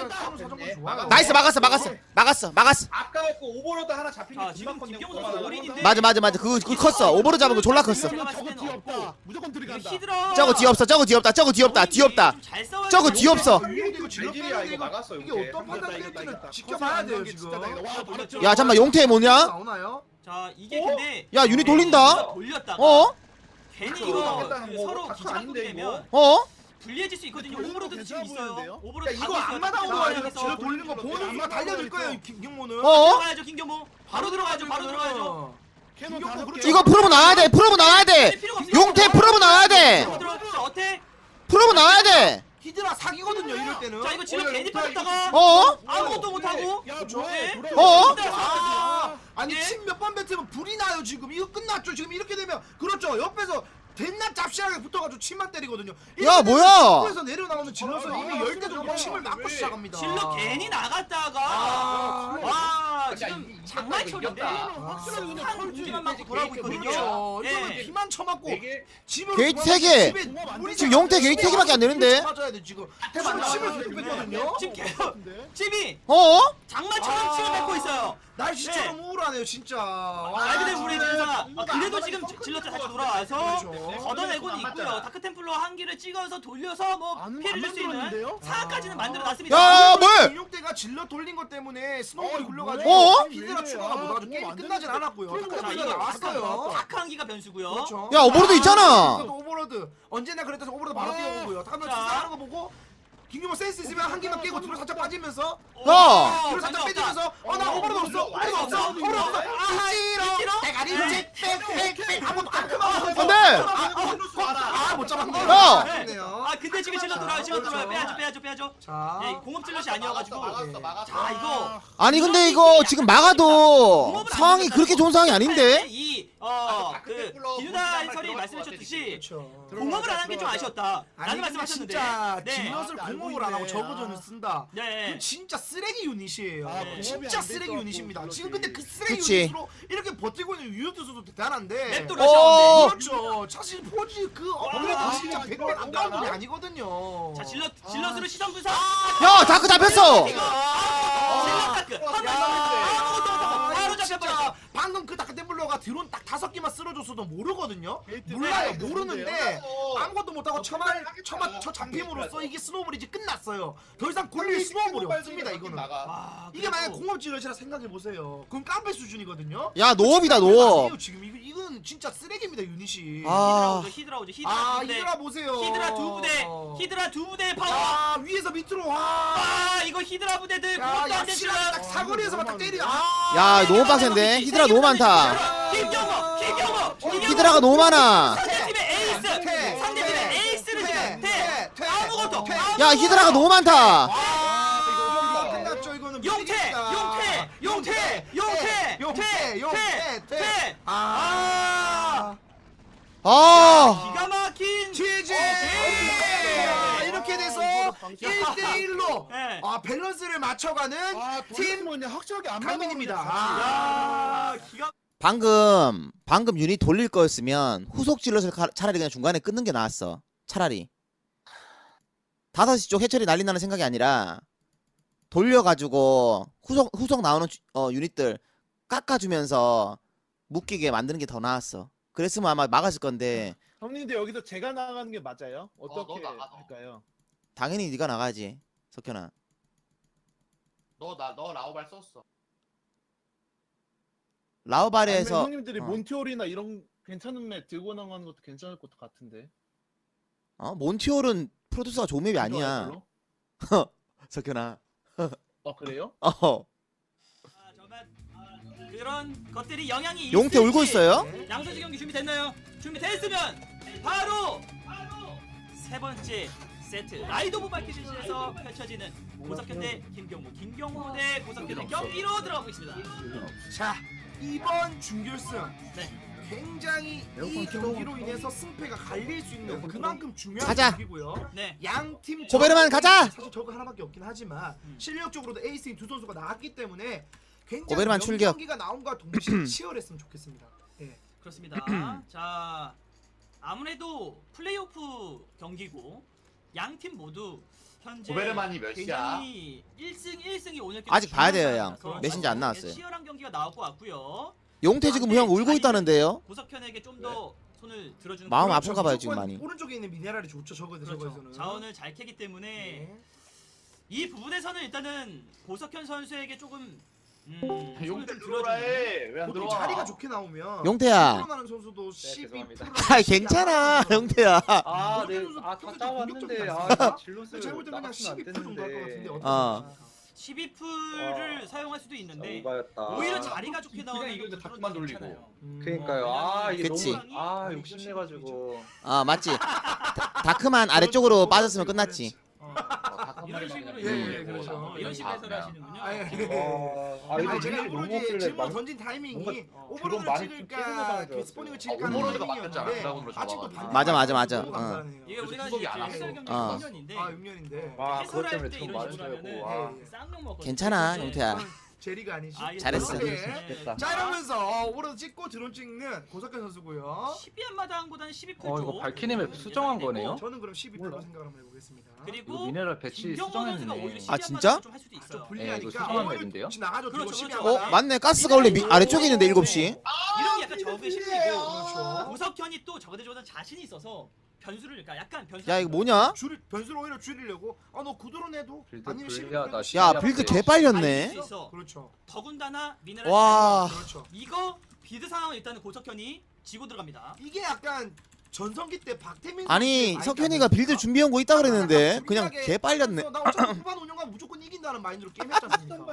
C: 나이스 막았어 막았어 막았어 막았어.
B: 아까웠고 오버로드 하나 잡힌
A: 자,
B: 게
A: 지금
B: 금방
A: 김경호
B: 건네.
A: 선수 올인인데
C: 맞아 맞아 맞아. 그거 그거 컸어. 오버로 잡은 거 졸라 컸어.
A: 제가 봤을
E: 저거
A: 때는
E: 뒤
A: 없고
E: 없다. 무조건 들어간다.
A: 히드라
C: 저거 뒤 없어. 저거 뒤 없다. 저거 뒤 없다. 뒤 없다. 저거 뒤 없어.
D: 이거 질럿
B: 알지리아
D: 빼는 게
B: 이거
D: 이거
B: 막았어,
D: 이게
B: 이렇게.
D: 어떤 판단
E: 이겼다,
D: 될지는
E: 이겼다.
D: 지켜봐야 돼요
E: 진짜
D: 지금.
E: 다행이다. 와, 바로
C: 야 잠만 용태 뭐냐?
D: 나오나요?
A: 자, 이게 근데
C: 야 유닛 돌린다.
A: 돌렸다가
C: 어?
A: 괜히
B: 그거
A: 이거
B: 하겠다는
A: 그
B: 거
A: 서로
B: 다크
A: 기차가
B: 아닌데,
A: 되면
C: 어?
A: 불리해질 수 있거든요.
E: 그거
A: 오버로드도 지금
E: 괜찮아
A: 있어요.
E: 보이는데요?
A: 오버로드
B: 야, 이거
A: 가고 있어요.
B: 안마 나오는
A: 자,
B: 거 아니야?
A: 여기서
D: 질럿 돌리는 거 보는 순간 달려들 거예요 김경모는.
C: 어?
A: 들어가야죠, 김경모. 바로 들어가죠. 바로 들어가죠.
E: 캐논
D: 김경모
E: 다섯
D: 그렇죠.
E: 개.
C: 이거 프로브 나와야 돼. 프로브 나와야 돼.
A: 필요가 없어요.
C: 용태 프로브 나와야 돼.
A: 바로 들어가죠. 어때?
C: 프로브 나와야 돼.
D: 히드라 사기거든요 이럴 때는.
A: 자, 이거 질럿
B: 어,
A: 괜히
B: 이거
A: 빠졌다가
C: 어?
A: 아무것도 못 하고.
E: 야
D: 그렇죠.
E: 뭐해?
A: 네.
E: 돌아.
C: 어?
D: 아, 아니
A: 예?
D: 침 몇 번 뱉으면 불이 나요 지금. 이거 끝났죠 지금. 이렇게 되면 그렇죠. 옆에서 대낮 잡시하게 붙어가지고 침만 때리거든요.
C: 야, 뭐야?
D: 에서 내려나오는 질럿은
B: 아,
D: 이미
B: 아,
D: 열 대 정도
B: 아,
D: 침을 맞고
B: 왜?
D: 시작합니다.
A: 질럿 괜히 나갔다가
D: 아,
A: 와
B: 야,
A: 지금
B: 이-
A: 장난쳐인데
B: 이겼다.
E: 확실하게 그냥
A: 한
E: 털지.
A: 공기만 맞고 돌아오고 있거든요.
D: 그렇죠. 이거는
A: 예.
D: 피만 쳐맞고
B: 이게
D: 집으로
C: 게이트
D: 돌아가서
C: 세 개.
D: 집에
E: 공업 안
D: 우리
E: 돼.
C: 지금 용태 게이트 세 개밖에 안 되는데.
D: 맞아야 돼 지금.
B: 대박
D: 침을 침을
B: 나와요,
D: 계속
B: 지금.
D: 뺐거든요.
A: 지금 계속 집이
C: 어?
A: 장마처럼
D: 아.
A: 침을 뱉고 있어요.
D: 날씨처럼 우울하네요 진짜.
A: 말 그대로 우리
B: 진짜.
A: 진짜
B: 공부가
A: 그래도
B: 안
A: 지금
B: 맞아서
A: 질럿 다시
B: 컸거든요.
A: 돌아와서
D: 그렇죠.
A: 걷어내고는
B: 안
A: 있고요.
B: 맞잖아.
A: 다크템플러 한 기를 찍어서 돌려서 뭐
E: 안-
A: 피해를
E: 안
A: 줄 수 있는
E: 만들었는데요?
A: 사까지는
D: 아.
A: 만들어놨습니다.
C: 야 뭘?
D: 김용태가 질러 돌린 것 때문에 스노우볼이
E: 어,
D: 굴려가지고
C: 어?
D: 히드라 추가가 못 와가지고 게임이 끝나진 않았고요.
E: 그리고
A: 자,
D: 다크템플러가
A: 이거
D: 나왔어요.
A: 다크한기가 변수고요.
D: 그렇죠.
C: 야 오버로드 있잖아.
D: 이것도 오버로드. 언제나 그랬듯이 오버로드 바로
E: 아.
D: 뛰어오고요. 다음에
A: 자.
D: 하는 거 보고 김규모 센스 있으면 한 개만 깨고 뒤로 살짝 빠지면서
C: 야!
D: 뒤로 살짝 빼주면서 어 나 오버로드 없어. 오버로드 없어. 오버로드 없어. 아 이로 대가리 빽빽빽 아무도 안 그만.
C: 안돼.
D: 아못 잡았네.
C: 야!
D: 아쉽네요.
A: 아 근데 지금 질럿 돌아요. 질럿 돌아요. 빼야죠, 빼야죠, 빼야죠.
D: 자.
A: 예, 공업 질럿이 아니어가지고.
B: 막았어 막았어.
A: 자 이거
C: 아니 근데 이거 지금 막아도 상황이 그렇게 좋은 상황이 아닌데?
A: 이어그 기누다 해설이 말씀해주셨듯이
D: 그렇죠.
A: 공업을 안 한 게 좀 아쉬웠다.
D: 아니
A: 라는
D: 근데
A: 말씀하셨는데.
D: 진짜
A: 네.
D: 질럿을
E: 아, 알고
D: 공업을 안 하고
E: 있네.
D: 저그전을 쓴다.
A: 네.
D: 그건 진짜 쓰레기 유닛이에요.
E: 아,
A: 공업이
D: 진짜
E: 안
D: 쓰레기
E: 됐어,
D: 유닛입니다.
E: 그렇지.
D: 지금 근데 그 쓰레기
C: 그치.
D: 유닛으로 이렇게 버티고 있는 유효투수도 대단한데.
A: 맵도
C: 어.
A: 러시아인데.
D: 그렇죠. 사실 포지 그 업그레이드
B: 아,
D: 진짜
B: 이거
D: 백백 안 가는 분이
B: 이거
D: 아니거든요.
A: 자 질럿 질럿으로 시선 분석.
C: 야 다크 잡혔어.
A: 이거 질럿 다크 한
D: 야,
A: 아무것도 못하고 바로
D: 진짜
A: 잡혀버렸어.
D: 방금 그 다크템블러가 드론 딱 다섯 개만 쓸어줬어도 모르거든요.
E: 게이트
D: 몰라요.
E: 네,
D: 모르는데 아무것도 못하고 처만 처만 쳐 잡힘으로써 이게 스노우볼이 이제 끝났어요. 더 이상 굴릴 스노우볼이 없습니다. 이거는.
A: 와,
D: 이게 만약
A: 그래도
D: 공업 질럿이라 생각해 보세요. 그럼 깡패 수준이거든요.
C: 야 노업이다 노업.
D: 지금 이거 이건 진짜 쓰레기입니다 유닛이.
C: 아.
A: 히드라 오죠, 히드라 오죠, 히드라
D: 아
A: 두 부대.
D: 히드라 보세요.
A: 히드라 두 부대, 히드라 두 부대 파워.
D: 아 위에서 밑으로 와.
A: 아 이거 히드라 부대들
D: 야
A: 공업도 안
D: 약실하게
A: 됐지만.
D: 딱 사거리에서만 딱 때려. 아.
C: 야 너무 빡센데? 히드라 너무 많다.
A: 김경호, 김경호, 김경호.
C: 히드라가 너무 많아.
A: 상대팀의 에이스,
D: 퇴,
A: 상대팀의
D: 퇴,
A: 에이스를
D: 퇴,
A: 지금 대
D: 퇴,
A: 아무것도.
D: 퇴.
A: 아무것도.
C: 야 히드라가 너무 많다.
D: 아 이거 끝났죠 이거는.
A: 용태,
D: 무리겠다.
A: 용태, 용태, 용태,
D: 용태, 용태,
A: 퇴,
D: 퇴.
A: 아.
C: 아.
A: 기가 막힌
D: 지지.
A: 네.
D: 이렇게 돼서 일 대 일로
A: 네.
D: 아 밸런스를 맞춰가는
E: 아,
D: 팀
E: 팀 확실하게 안
D: 강민입니다.
E: 맞아요.
A: 야, 기가
C: 방금 방금 유닛 돌릴 거였으면 후속 질럿을 가- 차라리 그냥 중간에 끊는 게 나았어. 차라리 다섯 시 쪽 해처리 난리 나는 생각이 아니라 돌려가지고 후속 후속 나오는 주- 어, 유닛들 깎아주면서 묶이게 만드는 게 더 나았어. 그랬으면 아마 막았을 건데
E: 형님들 여기서 제가 나가는 게 맞아요? 어떻게
B: 너 나가, 너.
E: 할까요?
C: 당연히 네가 나가야지 석현아.
B: 너나 너 라오발 썼어.
C: 라우바레에서
E: 아니면 형님들이
C: 어.
E: 몬티올이나 이런 괜찮은 맵 들고 나가는 것도 괜찮을 것 같은데.
C: 어? 몬티올은 프로듀서가 좋은 맵이 아니야.
E: 별로?
C: 석현아.
E: 아 그래요?
C: 어.
A: 아, 정말 아, 그런 것들이 영향이
C: 용태
A: 있을지.
C: 울고 있어요?
A: 양선수 경기 준비됐나요? 준비됐으면 바로 세 번째 세트 라이드 오브 발키리에서 펼쳐지는 고석현 대 김경호, 김경호 대 고석현의 경기로 들어가고 있습니다.
D: 자 이번 준결승
A: 네.
D: 굉장히 이 경기로 인해서 승패가 갈릴 수 있는 그만큼 중요한
C: 가자.
D: 경기고요.
A: 네.
D: 양팀
C: 고베르만 가자.
D: 사실 저거 하나밖에 없긴 하지만
A: 음.
D: 실력적으로도 에이스인 두 선수가 나왔기 때문에 굉장히
C: 고베르만 출격.
D: 경기가 나온과 동시에 치열했으면 좋겠습니다. 예.
A: 그렇습니다. 자, 아무래도 플레이오프 경기고 양 팀 모두 현재
B: 고베르만이 몇 시야?
A: 굉장히 일 승 일 승이 오늘
C: 아직 봐야 돼요,
A: 중요한
C: 형.
A: 상황이라서
C: 메신저 안 나왔어요.
A: 치열한 경기가 나올 것 같고요.
C: 용태 지금 형 울고 있다는데요.
A: 고석현에게 좀 더 손을 들어주는
C: 마음
A: 그런
C: 아픈가 봐요,
D: 무조건
C: 지금 많이.
D: 오른쪽에 있는 미네랄이 좋죠. 저거에서
A: 그렇죠.
D: 저거에서는.
A: 자원을 잘 캐기 때문에
D: 네.
A: 이 부분에서는 일단은 고석현 선수에게 조금 음, 손을
B: 용태
A: 좀
B: 들어오라
A: 들어주는
B: 해. 왜 안
D: 보통
B: 들어와?
D: 자리가 좋게 나오면
C: 용태야.
D: 들어가는 선수도 십이
G: 죄송합니다.
D: 퍼센트
C: 아 괜찮아 용태야.
G: 아, 네.
D: 선수
G: 아, 다
D: 굉장히
G: 짜왔는데
D: 공격적이지
G: 아, 질럿을
D: 제가 볼 때 그냥
G: 나갔으면 안
D: 십이 퍼센트 정도 할 것 같은데
G: 됐는데.
D: 어떻게
C: 어.
D: 생각하세요?
A: 십이 풀을
G: 와.
A: 사용할 수도 있는데
G: 오바였다.
A: 오히려 자리가 좋게
B: 그냥
A: 나오면
B: 이거 이제
A: 좀
B: 다크만 돌리고.
A: 괜찮아요.
D: 음.
G: 그러니까요. 아, 이게
C: 그치.
G: 너무 아, 욕심내가지고.
C: 아 맞지. 다, 다크만 아래쪽으로 빠졌으면 끝났지.
A: 어, 이런 식으로
D: 예,
A: 이제
D: 예, 그렇죠.
A: 어, 이런 식으로 해설
B: 아,
A: 하시는군요.
D: 아, 예.
G: 아,
D: 아니
G: 이거
D: 제가
G: 너무
D: 오버로드에
G: 없길래
D: 질문
G: 막-
D: 던진 타이밍이
G: 뭔가
D: 오버로드를
G: 많이 좀
D: 찍을까
G: 깨는 상황인 줄
D: 그 스포닝을
G: 알았어요.
D: 찍을까
B: 아,
D: 하는
B: 오버로드가 바뀌었잖아.
D: 타이밍이었는데
B: 드라곤으로
D: 아직도
B: 저거.
D: 반대
C: 맞아, 맞아, 맞아.
D: 너무
C: 어.
D: 감사하네요.
A: 이게 우리가
B: 수속이
A: 이제
B: 안 왔어.
A: 해설 경기
C: 어.
A: 육 년인데
D: 아 육 년인데
G: 와, 그것
A: 해설할
G: 때문에
A: 때
G: 좀
A: 이런 식으로
G: 많이
A: 하면은
G: 되고. 아.
A: 쌍욕 먹거든요.
C: 괜찮아
A: 근데
C: 용태야.
D: 제리가 아니지.
A: 아, 이게
C: 잘했어.
A: 또-
D: 네.
G: 됐다.
D: 자 이러면서 오버로드 찍고 드론 찍는 고석현 선수고요.
A: 십이 한마당보다는 십이 풀
H: 어,
A: 쪽.
H: 이거 발키님의 수정한 거네요?
D: 저는 그럼 십이 퍼센트 생각을 한번 해보겠습니다.
A: 그리고
H: 이거 미네랄 배치
A: 김경호 선수가
H: 수정했네.
A: 오히려 십이
C: 아, 진짜?
A: 한마당 좀할 수도
D: 좀
A: 있어요.
H: 예, 이거
D: 불리하니까
H: 수정한
D: 오버로드
H: 맵인데요?
D: 혹시 나가죠.
A: 그렇죠,
D: 드론 십이
A: 그렇죠.
C: 어
D: 하나.
C: 맞네. 가스가 원래 미, 아래쪽에 있는데 일곱 시.
A: 이런 게 약간 저그의 심리고
D: 그렇죠.
A: 고석현이 또 저그대조보다 자신이 있어서 변수를 그러니까 약간 변수.
C: 야 이거 뭐냐?
D: 줄 변수를 오히려 줄이려고 아너 구도로 내도
H: 빌드
D: 아니면
H: 불리하다,
D: 십이
C: 야
H: 야,
C: 빌드
H: 네.
C: 개 빨렸네.
A: 수 있어.
D: 그렇죠.
A: 더군다나 미네랄.
C: 와.
D: 그렇죠.
A: 이거 비드 상황은 일단은 고석현이 지고 들어갑니다.
D: 이게 약간 전성기 때 박태민
C: 아니
D: 선수의
C: 석현이가
D: 마인드
C: 빌드
D: 아닙니까?
C: 준비한 거 있다 그랬는데
D: 약간
C: 그냥
D: 불리하게
C: 개 빨렸네.
D: 하면서 나 어차피 후반 운영가 무조건 이긴다는 마인드로 게임했지 않습니까?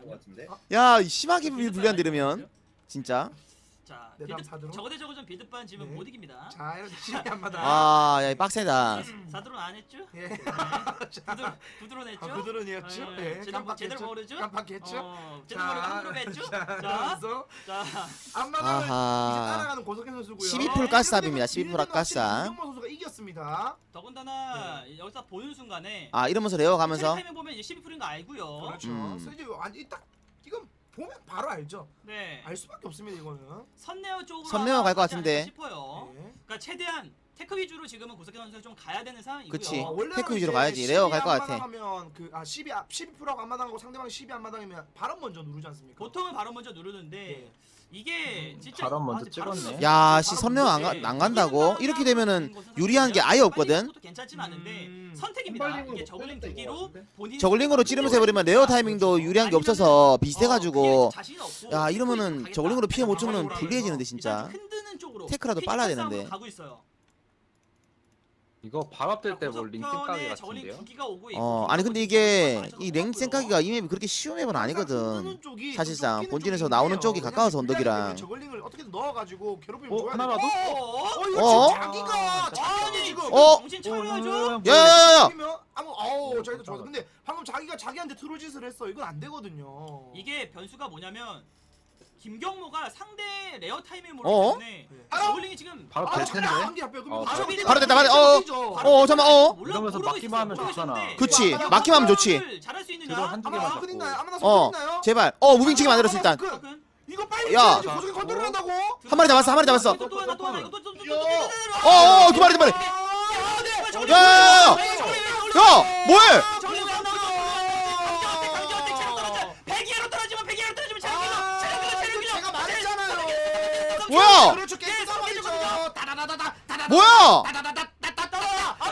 C: 야 심하게 불리한데 이러면 진짜.
A: 자,
D: 네, 다음
A: 비드
D: 사드론.
A: 저거대 저거전 비드반 지금
D: 네.
A: 못 이깁니다.
D: 자 이렇게 시간이 안 맞아.
C: 아야 빡세다.
A: 사드론 안 했죠?
D: 예.
A: 부드러 부드러냈죠?
D: 아, 부드러운이었죠.
A: 예,
D: 예.
A: 제대로
D: 깜빡했죠.
A: 제대로 모르죠?
D: 깜빡했죠.
A: 어, 제대로 모르고 함부로 했죠?
D: 자,
A: 자,
D: 그러면서
A: 자,
D: 앞마당을 이제
C: 아하.
D: 따라가는 고석현 선수고요.
C: 십이 풀 가스압입니다. 십이 풀 가스압.
D: 김경모 선수가 이겼습니다.
A: 더군다나 여기서 보는 순간에
C: 아 이러면서 레어 가면서
A: 타이밍 보면 이제 십이 풀인 거 알고요.
D: 그렇죠.
C: 음.
D: 그래서 이제 완전 딱 이건 보면 바로 알죠.
A: 네,
D: 알 수밖에 없습니다 이거는.
A: 선내어 쪽으로
C: 선내어
A: 아마
C: 갈것
A: 가지
C: 같은데.
A: 않을까 싶어요.
D: 예.
A: 그러니까 최대한 테크 위주로 지금은 고석현 선수가 좀 가야 되는 상황이고요.
C: 그치.
D: 어, 원래는
C: 테크 위주로
D: 이제
C: 가야지. 레어 갈것
D: 십이
C: 같아.
D: 안마당하면 그아 십이 앞 십이 프로하고 안마당하고 상대방이 십이 안마당이면 바로 먼저 누르지 않습니까?
A: 보통은 바로 먼저 누르는데
D: 예.
A: 이게 진짜
H: 바로 먼저
A: 아직 바로
H: 찍었네.
A: 누르-
C: 야씨
A: 바로
C: 선명 안, 가,
A: 누르는데
C: 안 간다고?
A: 이기는
C: 이렇게 되면은
A: 것은
C: 유리한 게
A: 사실
C: 아예
A: 빨리
C: 없거든.
A: 것도 괜찮진 않은데
D: 음.
A: 선택입니다.
B: 선발링으로
A: 이게
B: 못
A: 저글링
B: 때렸다,
A: 두
B: 이거
A: 개로
B: 같은데?
A: 본인
C: 저글링으로 찌르면서 해버리면 레어 타이밍도 유리한 게 없어서 비슷해가지고 야 이러면은 저글링으로 피해 못 주면 불리해지는데 진짜.
A: 흔드는 쪽으로
C: 테크라도 빨라야
A: 피지컬 싸움으로
C: 되는데.
A: 가고 있어요.
H: 이거 발업될 때 뭐 링
A: 고석현의
H: 땡까기
A: 저글링
H: 같은데요?
A: 두 기가 오고 있고
C: 어 아니 근데 이게 이 랭 생각이가 이 맵이 그렇게 쉬운 맵은 아니거든. 사실상 본진에서 나오는 쪽이 가까워서 언덕이랑.
D: 저글링을 어떻게든 넣어가지고 괴롭히면
H: 어,
D: 좋아야
H: 하나라도?
D: 돼.
A: 어?
D: 어 이거
C: 어?
D: 지금 자기가 자기한테 지금
C: 어?
A: 정신 차려야죠.
C: 야야야야.
D: 그러면 아무 아우 저희도 좋아. 근데 방금 자기가 자기한테 트롤짓을 했어. 이건 안 되거든요.
A: 이게 변수가 뭐냐면 김경모가 상대 레어 타이밍을 모르기
C: 어?
A: 때문에
D: 알아?
A: 저글링이 지금
H: 바로
D: 아,
H: 될
D: 자기가
H: 텐데.
D: 한개 앞에 그러면
H: 어,
D: 바로
A: 바로
C: 바로 됐다, 바로- 어, 어 잠깐 어.
A: 몰라,
H: 이러면서
A: 모르고
H: 막기만 하면
A: 있었어.
H: 좋잖아.
A: 모르고
C: 그치,
A: 있었는데
C: 막기만 하면 좋지.
A: 이거를 잘할 수 있느냐?
H: 드론 한두
D: 아마
H: 개만
D: 손
H: 잡고.
D: 있나요? 아마
C: 어
D: 손 있나요?
C: 제발. 어 무빙치기 만들었어 일단.
A: 조금.
D: 이거 빨리
C: 야.
D: 해야지. 고속이 컨트롤 한다고.
C: 한 마리 잡았어 한 마리 잡았어.
A: 또, 또 하나 또 하나 이거 또, 또, 또, 또, 또, 또,
C: 어어 두 마리 두 마리. 야야야야. 야 뭐해?
A: 백이로 떨어지면 백이로 떨어지면 체력이죠. 체력이죠. 체력이죠.
D: 제가 말했잖아요.
C: 뭐야?
D: 그렇죠. 게임 상황이죠. 다다다다다 다다다.
C: 뭐야?
D: 다다다다다다다.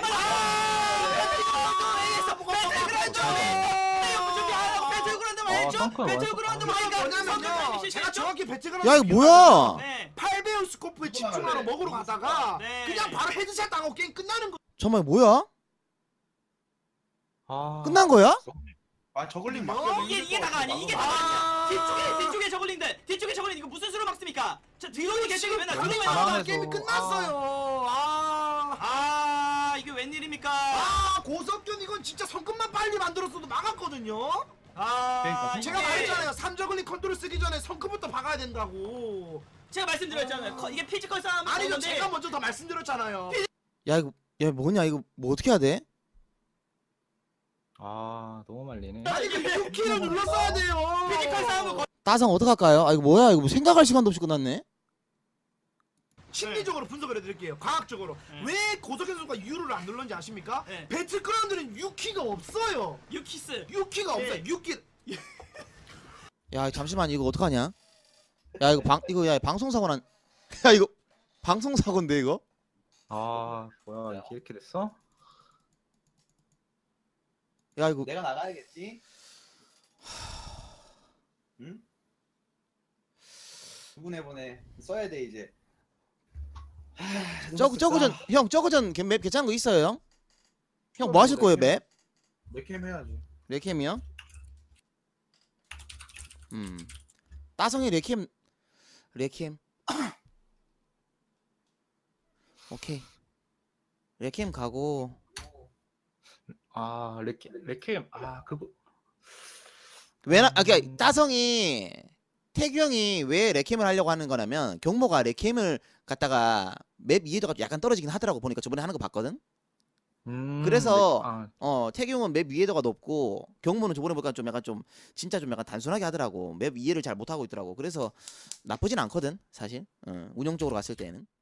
C: 어
H: 성큰
A: 배틀그라운드
H: 완성.
A: 보니까
D: 뭐냐면요. 제가 정확히 배치가
C: 야, 이거 뭐야?
A: 네.
D: 팔 배율 스코프에 집중하러 먹으러 가다가
A: 네.
D: 그냥 바로 헤드샷 당하고 게임 끝나는 거.
C: 정말 뭐야?
H: 아,
C: 끝난 거야?
B: 아 저글링 막.
A: 이게 이게 다가 아니 이게 다가 아니야. 뒤쪽에 뒤쪽에 저글링들 뒤쪽에 저글링 이거 무슨 수로 막습니까? 저 드론이 계시게 맨날 드론이
H: 잘하네.
A: 나와.
D: 게임이 끝났어요. 아,
A: 아 이게 웬일입니까?
D: 아 고석균 이건 진짜 성급만 빨리 만들었어도 막았거든요.
A: 아
H: 그러니까
D: 제가
A: 이게
D: 말했잖아요. 삼저글링 컨트롤 쓰기 전에 성급부터 박아야 된다고.
A: 제가 말씀드렸잖아요. 커- 이게 피지컬 싸움
D: 아니죠.
A: 하는데
D: 제가 먼저 더 말씀드렸잖아요.
C: 야 이거 야 뭐냐 이거 뭐 어떻게 해야 돼?
H: 아 너무 말리네.
D: 아니 이거 육 키를 눌렀어야 돼요.
A: 피지컬 싸움을
C: 따성 어떡할까요? 아 이거 뭐야 이거 뭐 생각할 시간도 없이 끝났네.
D: 심리적으로 분석을 해드릴게요. 과학적으로
A: 네.
D: 왜 고석현 선수가 U를 안 눌렀는지 아십니까?
A: 네.
D: 배틀그라운드는 육 키가 없어요.
A: 유키스.
D: 육 키가
A: 네.
D: 없어요. 육 키.
C: 야 잠시만 이거 어떡하냐? 야 이거 방 이거 야 방송 사고 난. 야 이거 방송 사고인데 이거?
H: 아 뭐야 이게 이렇게 됐어?
C: 야 이거
B: 내가 나가야겠지. 응? 부분해 보내 써야 돼 이제.
C: 저거 저거 전형 저거 전맵 괜찮은 거 있어요 형? 형 뭐 하실 거예요 맵?
B: 내캠 해야지.
C: 레캠이요? 음 따성이 레캠 레캠 오케이 레캠 가고
H: 아 레케 레케 아 그거
C: 왜나 아 그니까 따성이 태규 형이 왜 레캠을 하려고 하는 거냐면 경모가 레캠을 갖다가 맵 이해도가 약간 떨어지긴 하더라고 보니까 저번에 하는 거 봤거든.
H: 음,
C: 그래서
H: 레- 아,
C: 어 태규 형은 맵 이해도가 높고 경모는 저번에 보니까 좀 약간 좀 진짜 좀 약간 단순하게 하더라고. 맵 이해를 잘 못하고 있더라고. 그래서 나쁘진 않거든 사실 어, 운영적으로 갔을 때는.